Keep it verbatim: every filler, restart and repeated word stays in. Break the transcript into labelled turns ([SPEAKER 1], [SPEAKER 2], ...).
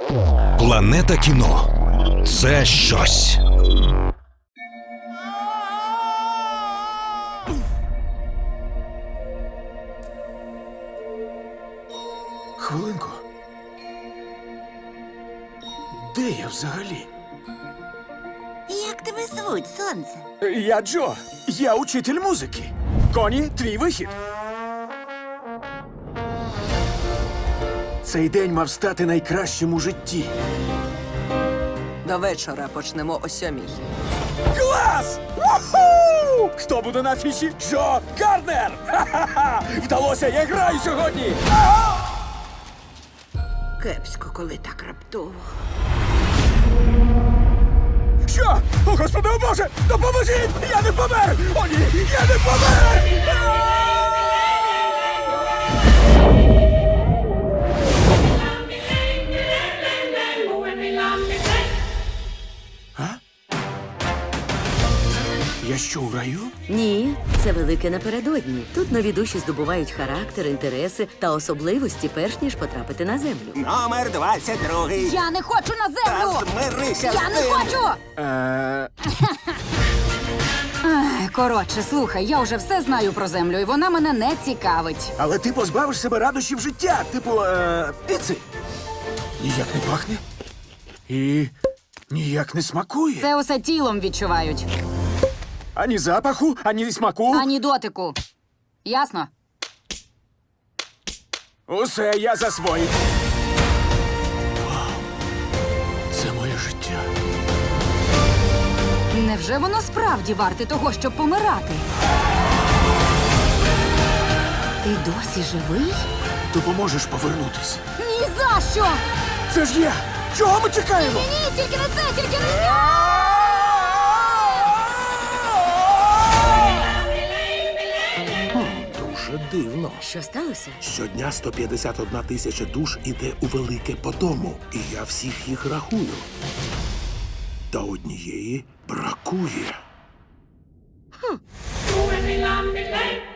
[SPEAKER 1] Планета кіно – це щось.
[SPEAKER 2] Хвилинку. Де я взагалі?
[SPEAKER 3] Як тебе звуть, сонце?
[SPEAKER 2] Я Джо. Я учитель музики. Коні, твій вихід. Цей день мав стати найкращим у житті.
[SPEAKER 4] До вечора почнемо о сьомій.
[SPEAKER 2] Клас! Уху! Хто буде на афіші? Джо Гарднер! Ха-ха-ха! Вдалося, я граю сьогодні!
[SPEAKER 4] Кепсько, коли так раптово.
[SPEAKER 2] Що? О, Господи, о Боже! Допоможіть! Я не помер! О, ні! Я не помер! А? Я що, у раю?
[SPEAKER 5] Ні, це велике напередодні. Тут нові душі здобувають характер, інтереси та особливості, перш ніж потрапити на землю.
[SPEAKER 6] Номер двадцять другий.
[SPEAKER 7] Я не хочу на землю!
[SPEAKER 6] Та змирися
[SPEAKER 7] Я
[SPEAKER 6] з
[SPEAKER 7] не
[SPEAKER 6] цим.
[SPEAKER 7] хочу!
[SPEAKER 2] Е,
[SPEAKER 7] Ех, Коротше, слухай, я вже все знаю про землю, і вона мене не цікавить.
[SPEAKER 2] але ти позбавиш себе радощів життя, типу, е, піци. Ніяк не пахне. І ніяк не смакує.
[SPEAKER 7] Це усе тілом відчувають,
[SPEAKER 2] Ані запаху, ані смаку.
[SPEAKER 7] ані дотику. Ясно?
[SPEAKER 2] Усе я засвоїв. Вау. Це моє життя.
[SPEAKER 7] Невже воно справді варте того, щоб помирати? Ти досі живий?
[SPEAKER 2] Допоможеш повернутись.
[SPEAKER 7] Ні за що!
[SPEAKER 2] Це ж я! Чого ми чекаємо?
[SPEAKER 7] Ні, тільки не це, тільки не це!
[SPEAKER 8] Дуже дивно.
[SPEAKER 5] Що сталося?
[SPEAKER 8] Щодня сто п'ятдесят одна тисяча душ іде у велике подому, і я всіх їх рахую. Та однієї бракує.
[SPEAKER 9] Moving me, lamb me,